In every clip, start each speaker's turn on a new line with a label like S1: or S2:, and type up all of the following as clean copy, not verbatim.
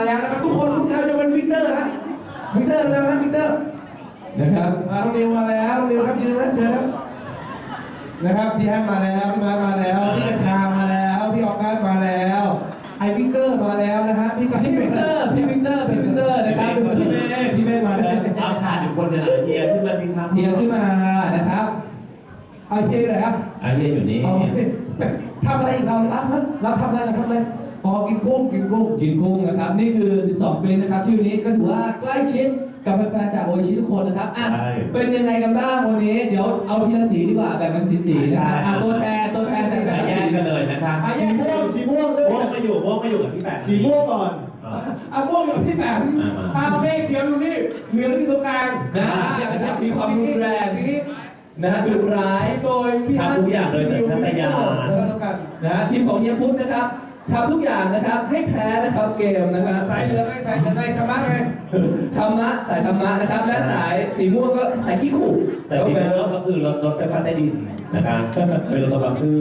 S1: แล้วนะครับทุกคนทุกท่านจะเป็นวิกเตอร์นะวิกเตอร์แล้วนะวิกเตอร์
S2: นะครับ
S1: น้องนิวมาแล้วนิวครับยืนนะเชิญครับนะครับพี่ฮันมาแล้วพี่มาร์มาแล้วพี่กระชามาแล้วพี่ออกัสมาแล้วไอวิกเตอร์มาแล้วนะฮะพี่วิกเตอร์
S2: นะครับพี่เมฆมาแล้ว
S3: เอาขาดอยู่คนเดียวเฮียขึ้นมาสิครับ
S2: เฮียขึ้นมานะครับ
S1: เอาเฮียเลยครับ
S3: เฮียอยู่นี่
S1: ทำอะไรอีกเราทำอะไรอ๋อกินกุ้ง
S2: นะครับนี่คือ 12 ปีนะครับที่วันนี้ก็ถือว่าใกล้ชิดกับแฟนๆจากโออิชิทุกคนนะครับอ่ะเป็นยังไงกันบ้างวันนี้เดี๋ยวเอาทีละสีดีกว่าแบ่งเป็นสีๆนะครับตัวแทนจากแต่ละ
S3: แย
S2: สี
S3: กกันเลยนะครับ
S1: สีม่วงเลย
S3: ม่วงไม่อยู่กับพี่แปะ
S1: สีม่วงก่อนม่วงอยู่ที่แปมโอเคเขียวดูนี่เหลืองอยู่ตรงกลาง
S2: นะครับมีความรุนแรง
S1: ทีนี้
S2: นะฮะดุร้าย
S1: โดยพี่ฮัน
S3: ทำทุกอย่างโดยสัญชาตญาณ
S2: นะฮะทีมของเฮียพุทธนะครับทำทุกอย่างนะครับให้แพ้นะครับเกมนะครับ
S1: สายเหลืองสายธรรมะไง
S2: ธรรมะสายธรรมะนะครับและสายสีม่วงก็สายขี้ขู่
S3: แต่ที่เป็นรถก็คือรถไฟฟ้าใต้ดินนะครับเป็นรถบางซื่อ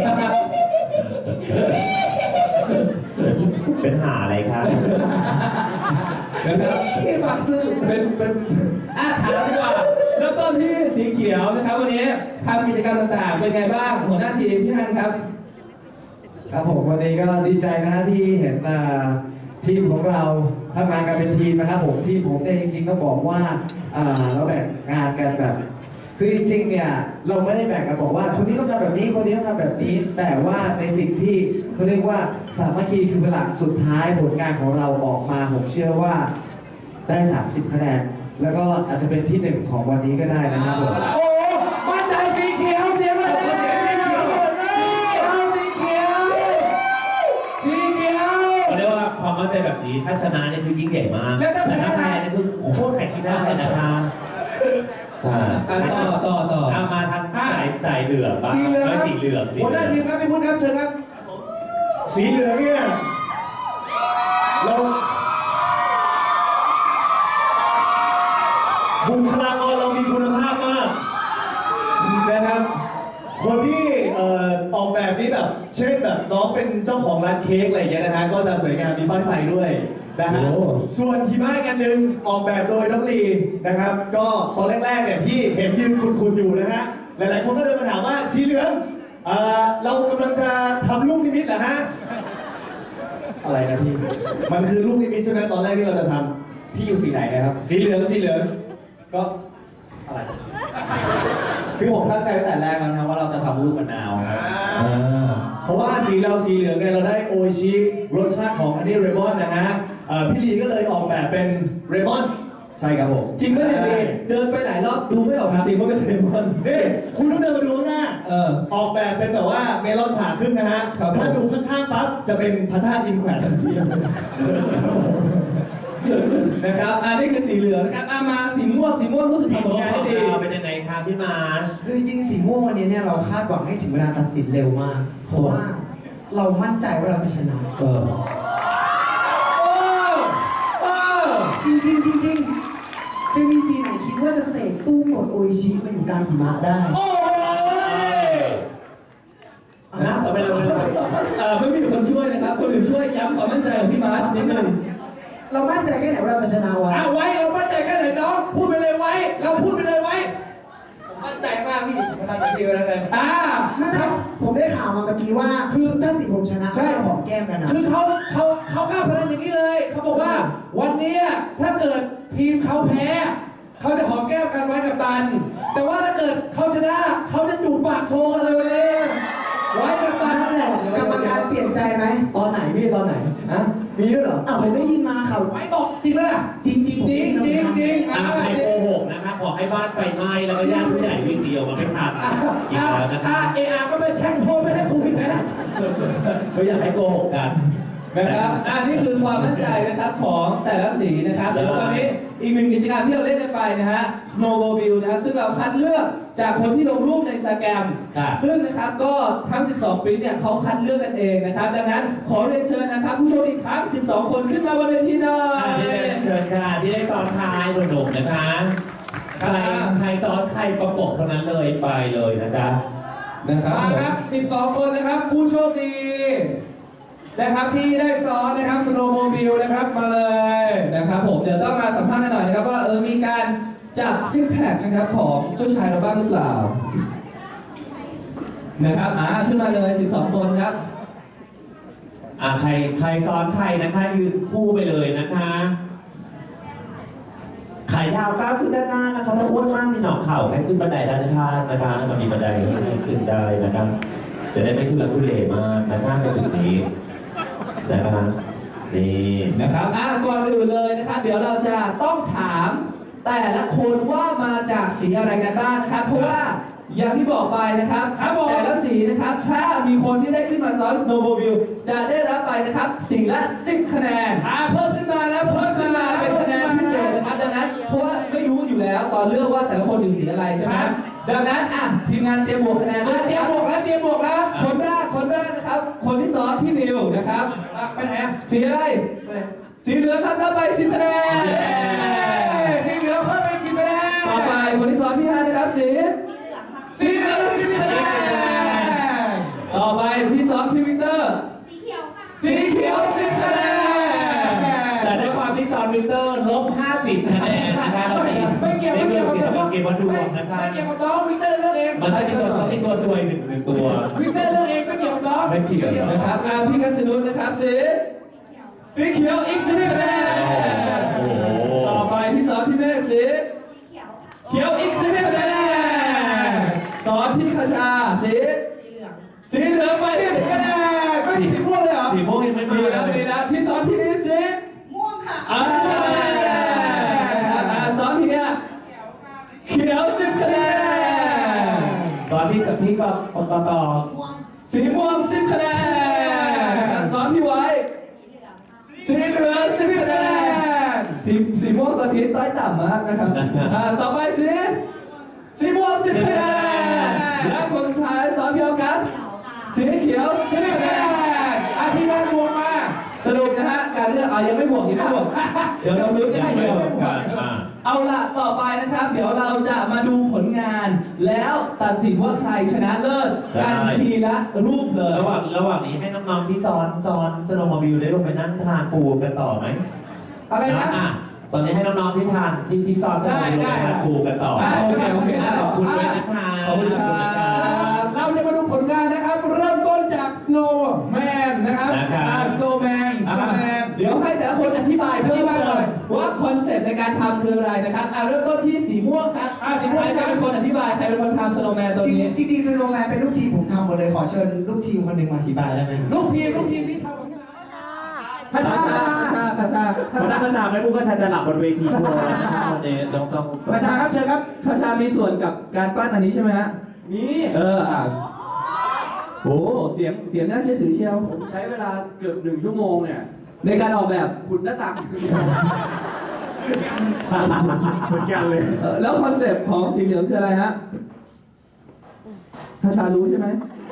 S3: เป็นหาอะไรครับ
S2: นะครับ
S1: ที่บางซื่อ
S2: เป็นถามดีกว่าเริ่มต้นที่สีเขียวนะครับวันนี้ทำกิจกรรมต่างๆเป็นไงบ้างหัวหน้าทีมพี่ฮันครับ
S4: ครับผมวันนี้ก็ดีใจนะฮะที่เห็นทีมของเราทำงานกันเป็นทีมนะครับผมทีมผมเนี่ยจริงๆต้องบอกว่าเราแบ่งงานกันแบบคือจริงๆเนี่ยเราไม่ได้แบ่งกันบอกว่าคนนี้ต้องทำแบบนี้คนนี้ต้องทำแบบนี้ แต่ว่าในสิ่งที่เขาเรียกว่าสามัคคีคือหลักสุดท้ายผลงานของเราออกมาผมเชื่อว่าได้30คะแนนแล้วก็อาจจะเป็นที่หนึ่งของวันนี้ก็ได้นะครับผม
S1: โอ้มั่นใจสีเขียวเสียงเลยสีเขียว
S3: เขาเรียกว่าความมั่นใจแบบนี้ถ้าชนะเนี่ยคือยิ่งใหญ่มากแต่ถ้าแพ้เนี่ยคือโคตรแข่งที่ได้เลยนะครับ
S2: ต่อ
S3: มาทางสายเหลืองบ้าง
S1: สีเหลืองครับ
S3: สีเหลือง
S1: หัวหน้าทีมครับพี่พุทธครับเชิญครับ
S4: สีเหลืองเนี่ยเราบุคลากรเรามีคุณภาพมากนะครับคนที่ออกแบบนี้แบบเช่นแบบน้องเป็นเจ้าของร้านเค้กอะไรอย่างเงี้ยนะฮะก็จะสวยงามมีป้ายไฟด้วยนะฮะส่วนหิมะอีกอันหนึ่งออกแบบโดยน้องลีนะครับก็ตอนแรกๆเนี่ยที่เห็นยืนคุณอยู่นะฮะหลายๆคนก็เดินมาถามว่าสีเหลืองเรากำลังจะทำลูกนิมิตเหรอฮะอะไรนะพี่มันคือลูกนิมิตใช่ไหมตอนแรกที่เราจะทำพี่อยู่สีไหนนะครับสีเหลืองก็อะไรคือผมตั้งใจตั้งแต่แรกแล้วนะว่าเราจะทำลูกมะนาวเพราะว่าสีเหลืองเนี่ยเราได้โออิชิรสชาติของอันนี้เรมอนนะฮะพี่ลีก็เลยออกแบบเป็นเรมอนใช่ครับผม
S2: จริงไหมเนี่ยเดินไปหลายรอบดูไม่ออกจริงว่าเป็นเลมอน
S4: นี่คุณต้องเดินมาดูข้างหน้าออกแบบเป็นแบบว่าเมลอนผ่าครึ่งนะฮะถ้าดูข้างๆปั๊บจะเป็นพระธาตุอินแขวนทันที
S2: นะครับนี่คือสีเหลืองนะครับมาสีม่วงรู้สึกทำผลงานได้ดี
S3: เป็นยังไงครับพี่มาร์ช
S5: คือจริงๆสีม่วงวันนี้เนี่ยเราคาดหวังให้ถึงเวลาตัดสินเร็วมาก เพราะว่าเรามั่นใจว่าเราจะชนะจริงจะมีสีไหนคิดว่าจะเสกตู้กดโออิชิมาอยู่กลางหิมะได้
S3: นะต่อไปเลย
S2: ไม่มีคนช่วยนะครับคนอื่นช่วยย้ำความมั่นใจของพี่มาร์ชนิดนึง
S5: เรามั่นใจแค่ไหนว่าเราจะชนะวะ
S1: ไว้เรามั่นใจแค่ไหนน้องพูดไปเลยไว้เราพูดไปเลยไว้ผมมั่นใจมากพี่มาทำแบบนี้แล้วกัน
S5: นะครับผมได้ข่าวมาเมื่อกี้ว่าคือถ้าสีผมชนะใช่หอมแก้มกันนะ
S1: คือเขากล้าพนันอย่างนี้เลยเขาบอกว่าวันนี้ถ้าเกิดทีมเขาแพ้เขาจะหอมแก้มกันไว้กับตันแต่ว่าถ้าเกิดเขาชนะเขาจะจูบปากโชว์กันเลยไว้กับตัน
S5: นั่นแหละกรรมการเปลี่ยนใจไหม
S2: ตอนไหนพี่ตอนไหนฮะมีด้วยเหรอ
S5: ผมได้ยินมาค่ะ
S1: ไว้บอกจริงเลย
S5: จริง
S3: ไม่โกหกนะคะขอให้บ้านไฟไหม้แล้วก็ญาติผู้ใหญ่วิ่งเดียวมาไม่ทันอีกแล้วนะคะ
S1: ก็ไม่แช่งโทษไม่ให้กูผิดนะ
S3: ไม่อยากให้โกหกกัน
S2: นะครับนี่คือความมั่นใจนะครับของแต่ละสีนะครับเดี๋ยวตอนนี้อีกหนึ่งกิจกรรมที่เราเล่นกันไปนะฮะ Snowmobile นะฮะซึ่งเราคัดเลือกจากคนที่ลงรูปใน Instagram ซึ่งนะครับก็ทั้ง 12 ปีเนี่ยเขาคัดเลือกกันเองนะครับดังนั้นขอเรียนเชิญนะครับผู้โชคดีทั้ง 12 คนขึ้นมาบนเวทีหน่อย
S3: เชิญค่ะที่ได้ตอนท้ายหนุ่มๆนะคะใครตอนใครประกบเท่านั้นเลยไปเลยนะจ๊ะ
S2: นะครับ
S1: มาครับ 12 คนนะครับผู้โชคดีนะครับที่ได้ซ้อนนะครับสโนว์โมบิลนะครับมาเลย
S2: นะครับผมเดี๋ยวต้องมาสัมภาษณ์กันหน่อยนะครับว่ามีการจับซิกแพคนะครับของเจ้าชายเราบ้างหรือเปล่านะครับขึ้นมาเลย12 คนครับ
S3: ใครซ้อนใครนะคะยืนคู่ไปเลยนะคะขายาวก้าวขึ้นด้านหน้านะคะถ้าอ้วนมากมีหนอกเข่าให้ขึ้นบันไดด้านข้างนะคะมันมีบันไดให้ขึ้นได้นะครับจะได้ไม่ทุลักทุเลมากนะคะในจุดนี้นะคะนี่
S2: นะครับก่อนอื่นเลยนะครับ เดี๋ยวเราจะต้องถามแต่ละคนว่ามาจากสีอะไรกันบ้างนะครับ เพราะว่าอย่างที่บอกไปนะครับแต่ละสีนะครับ ถ้ามีคนที่ได้ขึ้นมาซ้อน snowmobile จะได้รับไปนะครับสีละ10 คะแนนเพิ่มขึ้นมาแล้วเพิ่มขึ้นมาเป็นคะแนนพิเศษนะครับดังนั้นเพราะว่าไม่รู้อยู่แล้วตอนเลือกว่าแต่ละคนอยู่สีอะไรใช่ไหมดังนั้นทีมงานเตรียมบวกคะแนนด้วย
S1: เตรียมบวกแล้ว
S2: คนแรกนะครับ คนที่ซ้อนพี่นิวนะครับ
S1: ไปไหนอ่ะ
S2: สีอะไรสีเหลืองครับรับไป10 คะแนน
S1: ที่เหลือเพิ่มไปกี่คะแนน
S2: ต่อไปคนที่ซ้อนพี่ฮานะครับสีเหลือง10 คะแนนต่อไปที่ซ้อนพี่วิกเตอร์
S6: สีเขียวค่ะ
S2: สีเขียว10 คะแนน
S3: แต่ด้วยความที่ซ้อนวินเตอร์ลบ50 คะแนนนะคะเรา
S1: ไม่เกี่ยวกับ
S3: เกมวัดดวงนะคะ
S1: ไม่เกี่ยวกับน้องวิกเตอร์เลือกเอง
S3: มันต้องมีตัวซวยหนึ่งตัว
S1: วิกเตอร์เลือกเองไม่เกี่ยวกับน้อง
S3: ไม่เกี่ยว
S2: นะครับพี่กัญชนุนนะครับสีเขียวอีก10 คะแนน
S3: โอ้โห
S2: ต่อไปที่ซ้อนพี่เมฆสี
S6: เขียวค่ะ
S2: เขียวอีก10 คะแนนซ้อนพี่คชาสีเหลืองไป10 คะแนนไม่สีม่วงเลยเหรอ
S3: สีม่วงยังไม่มี
S2: มี
S3: เล
S2: แล้วมี
S3: ย
S2: แล้วที่ซ้อนพี่นี่สี
S6: ม่วงค่ะ
S2: ซ้อนพี่เนี่ยเขียว10 คะแนน
S3: ตอนที่กับพี่ก็ต่อ
S6: ม่วง
S2: สีม่วง10 คะแนนซ้อนพี่ไว้
S6: สีเหลืองค่ะ
S2: สีเหลือง10 คะแนนสีม่วงตอนนี้ต้อยต่ำมากนะครับต่อไปสีม่วง10 คะแนนและคนสุดท้ายซ้อนพี่ออกัส
S6: เขียวค่ะ
S2: สีเขียว10 คะแนน
S1: ทีมงานบวกมา
S2: สรุปนะฮะการเลือกยังไม่บวกเดี๋ยวเราลุ้นกันเดียว เอาล่ะต่อไปนะครับ เดี๋ยวเราจะมาดูผลงาน แล้วตัดสินว่าใครชนะเลิศกันทีละรูปเลย
S3: ระหว่างนี้ให้น้องๆที่ซ้อนสโนว์มอบิลได้ลงไปนั่งทานปูกันต่อไหม
S1: อะไรนะ
S3: ตอนนี้ให้น้องๆที่ทานที่ซ้อนสโนว์มอบิลลงไปทานปูกันต่อ
S2: โอเค
S3: ขอบคุณด้วยนะคะ
S2: ขอบคุณครับ
S1: เราจะมาดูผลงานนะครับ เริ่มต้นจาก Snowman นะครับ Snowman
S2: เดี๋ยวให้แต่ละคนอธิบายเพิ่มเติมว่าคอนเซ็ปต์ในการทำคืออะไรนะครับเริ่มต้นที่สีม่วงครับสีม่วงใครเป็นคนอธิบายใครเป็นคนทำสโนว์แมนตัวนี้
S5: จริงๆสโนว์แมนเป็นลูกทีมผมทำหมดเลยขอเชิญลูกทีมคนหนึ่งมาอธิบายได้ไหมครับ
S1: ลูกทีมที่ทำ
S2: พระชา
S3: คนนั้นประชาไม่พูดก็จะหลับบนเวทีทัวร์วันนี้ต้อง
S1: ประชาครับเชิญครับ
S2: พระชามีส่วนกับการปั้นอันนี้ใช่ไหมฮะ
S1: นี่
S2: โอ้เสียงน่าเชื่อถือเชียว
S1: ผมใช้เวลาเกือบ1 ชั่วโมงเนี่ย
S2: ในการออกแบบ
S1: ขุดหน้าต่าง
S4: เหมือนกันเลย
S2: แล้วคอนเซ็ปต์ของสีเหลืองคืออะไรฮะพระชารู้ใช่ไหม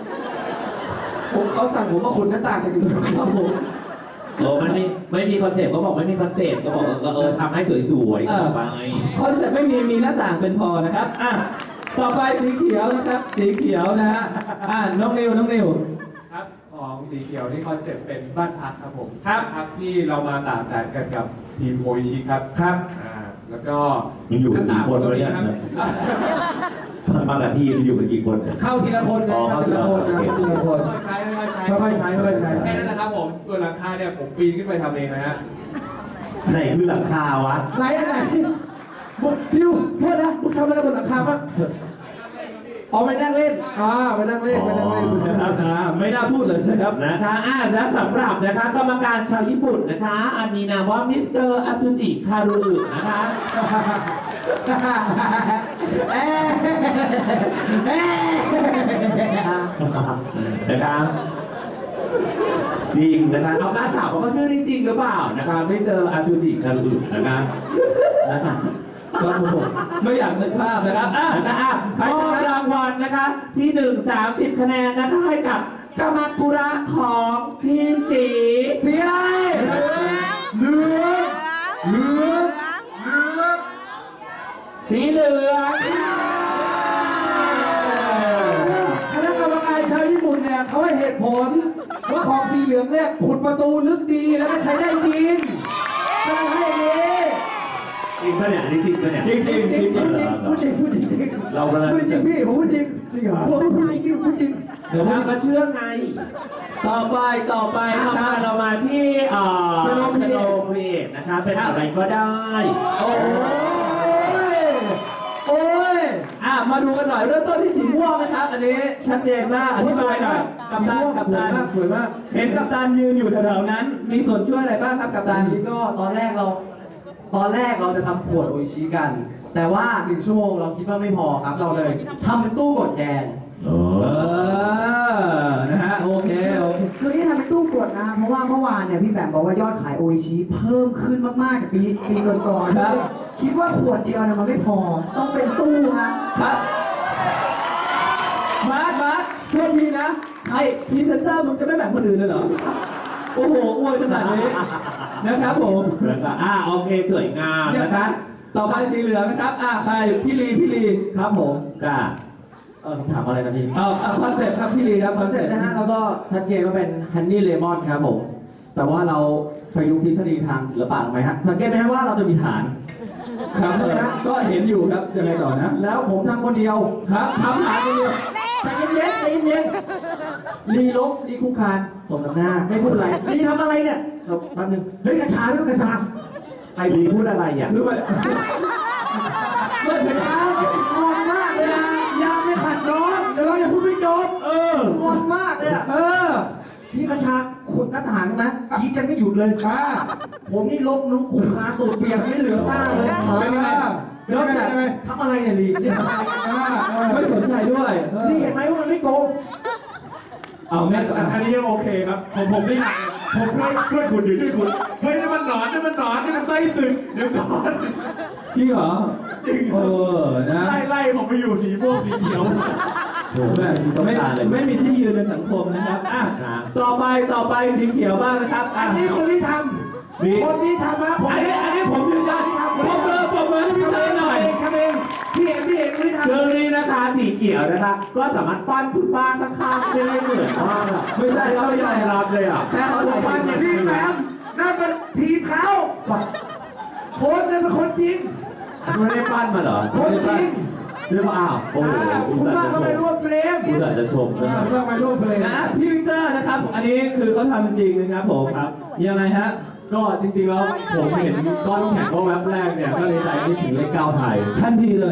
S1: เขาสั่งผมมาขุดหน้าต่างกันอยู่
S2: ครับผม
S3: มันไม่มีคอนเซ็ปต์ก็บอกไม่มีคอนเซ็ปต์ก็บอกทำให้สวยๆต่อไป
S2: คอนเซ็ปต์ไม่มีหน้าต่างเป็นพอนะครับต่อไปสีเขียวนะครับสีเขียวนะฮะน้องนิว
S7: ครับของสีเขียวนี่คอนเซ็ปต์เป็นบ้านพักครับผม
S1: ครับ
S7: ที่เรามาตากแดดกันกับทีมโออิชิครับ
S1: ครับ
S7: แล้วก็
S3: มันอยู่กันกี่คนวะเนี่ย
S7: ครับ
S3: มากับที่อยู่กันกี่คน
S1: เข้าทีละคนนะเข้าทีละคนนะทีละคน
S7: ค่อยๆใช้ค่อยๆใช้
S1: ค่อยๆใช้ค่อยๆใช้
S7: แค่นั้นแหละครับผมส่วนหลังคาเนี่ยผมปีนขึ้นไปทำเองนะฮะ
S3: ไหนคือหลังคาวะ
S1: ไหนพิวโทษนะมึงทำอะไรบนหลังคาปะอ๋อไปนั่งเล่นไปนั่งเล่น
S3: นะครับ
S2: ไม่น่าพูดเลยนะครับ
S3: นะคะและสำหรับนะคะกรรมการชาวญี่ปุ่นนะคะมีนามว่ามิสเตอร์อาซูจิคารุนะคะ นะครับจริงนะคะเอาหน้าถามว่าเขาชื่อนี้จริงหรือเปล่านะคะไม่เจออาซูจิคารุนะคะ
S2: ครับผมไม่อยากนึกภาพนะครับ
S3: มอบรางวัลนะคะที่30 คะแนนนะคะให้กับกามากุระของทีมสี
S1: สีอะไรเหลือง
S3: สีเหลือง
S1: คณะกรรมการชาวญี่ปุ่นเนี่ยเขาให้เหตุผลว่าของสีเหลืองลืองเนี่ยขุดประตูลึกดีแล้วก็ใช้ได้จริงใช่ไหมอย่างนี้
S3: จริงปะเนี่ยอันนี้จริงปะเนี่ย
S2: จริงจริงจริงจริง
S1: พูดจริงพูดจริงพูดจริง
S3: เรากำลัง
S1: พูดจริงพี่ผมพูดจริงจริงเหรอพูดจริงพูดจริง
S3: เดี๋ยวมันก็เชื่อไง ต่อไปนะคะเรามาที่สโนว์ครีเอทนะคะเป็นอะไรก็ได้
S2: โอ้ยโอ้ยมาดูกันหน่อยเริ่มต้นที่สีม่วงนะครับ อันนี้ชัดเจนมากอธิบายหน่อยกัปตัน
S1: สวยมากสวยมาก
S2: เห็นกัปตันยืนอยู่แถวๆนั้น มีส่วนช่วยอะไรบ้างครับกัปตั
S5: อั
S2: น
S5: นนี้ก็ตอนแรกเราจะทำขวดโออิชิกัน แต่ว่า1 ชั่วโมงเราคิดว่าไม่พอครับเราเลยทำเป็นตู้กดแทน
S2: นะฮะโอเค
S5: คือที่ทำเป็นตู้กดนะเพราะว่าเมื่อวานเนี่ยพี่แบมบอกว่ายอดขายโออิชิเพิ่มขึ้นมากๆจากปีก่อนๆ
S2: ครับ
S5: คิดว่าขวดเดียวเนี่ยมันไม่พอต้องเป็นตู้ฮะ
S2: ครับมาร์คโทษทีนะไอ้พรีเซนเตอร์มึงจะไม่แบ่งคนอื่นเลยเหรอ โอ้โหอวยขนาดนี้นะครับผม
S3: แล้วก็โอเคสวยงามนะคะ
S2: ต่อไปสีเหลืองนะครับใครพี่ลีครับผม
S3: ค่ะ
S5: ถามอะไรนะพี่
S2: เอาคอนเซ็ปต์ครับพี่ลีครับค
S5: ค
S2: อ
S5: อน น
S2: เซ็
S5: เซ็
S2: ป
S5: ป
S2: ต์
S5: ต์
S2: นะ
S5: นะ
S2: ฮะ
S5: ฮะแล้วก็ชัดเจนว่าเป็นฮันนี่เลมอนครับผม แต่ว่าเราประยุกต์ทฤษฎีทางศิลปะไหมฮะสังเกตไหมฮะว่าเราจะมีฐาน
S2: ครับก็เห็นอยู่ครับยังไงต่อนะ
S5: แล้วผมทำคนเดียว
S2: ครับทำหาคนเดียว
S5: ใจเย็นๆใจเย็นๆลีลบลีคุกคานสมน้ำหน้าไม่พูดอะไรลีทำอะไรเนี่ยแป๊บนึงเฮ้ยกระชาด้วยกระชา
S3: ไอ้ลีพูดอะไรอ่ะ
S2: คือมัน
S5: เมื่อถึงแล้วงอนมากเลยนะยาไม่ขัดน้องเดี๋ยวเราอย่าพูดไม่จบงอนมากเลยอะพี่กระชาขุดหน้าต่างไหมคิดกันไม่หยุดเลยผมนี่ลบลุกขุดคาตูดเปียกไม่เหลือซ่าเลย
S1: เป็นไง
S2: นอกจาก
S5: ทำอะไรเนี่ยลีนี่ทำอะไร
S2: ไม่สนใจด้วย
S5: นี่เห็นไหมว่ามันไม่โกง
S2: เอาแม่ก่อน
S7: อันนี้ยังโอเคครับผมนี่ผมช่วยคุณอยู่ช่วยคุณเฮ้ยนี่มันหนอนนี่มันไส้สึกเดี๋ยวก่อน
S2: จริงเหรอ
S7: จริง
S2: นะ
S7: ไล่ผมไปอยู่สีม่วงสีเขียว
S2: ไม่มีที่ยืนในสังคมนะครับต่อไปสีเขียวบ้างนะครับ
S1: อันนี้คนที่ทำคนที่ทำนะผม
S2: อันนี้ผมยืนยันผมมือให้พี่เต้หน่อย
S1: ทำเองพี่เอกคนที่ทำ
S3: เรื่องนี้นะคะสีเขียวนะคะ ก็สามารถปั้นคุณป้าข้างๆได้เหมือนมากอะ
S2: ไม่ใช่เขา
S3: ไม่
S2: ไม่
S3: ยอ
S2: ใช่
S3: มรับเลยอ่ะ
S2: แค่เขาหลาย
S1: วันอย่างพี่แบมนั่นเป็นทีมเขาคนนั่นเป็นคนจริง
S3: ไม่ได้ปั้นมาเหรอ
S1: คนจริง
S3: หรือเปล่าโอ้โหอุ
S1: คุ
S3: ต
S1: ณ
S3: ส่า
S1: ว่า
S3: ห์จะ
S1: เขา
S3: ช
S1: ไป
S3: ม
S1: ร่วมเฟรม
S3: อุตส่าห์จะชมนะครับ
S1: เพื่อไปร่วมเฟรม
S2: นะพี่วิกเตอร์นะครับ อันนี้คือเขาทำจริงนะครับผมครับยังไงฮะ
S7: ก็จริงๆแล้วผมเห็นก้อนน้ำแข็งก็แวบแรกเนี่ยก็เลยใจคิดถึงเลข 9 ไทย
S2: ทันทีเลย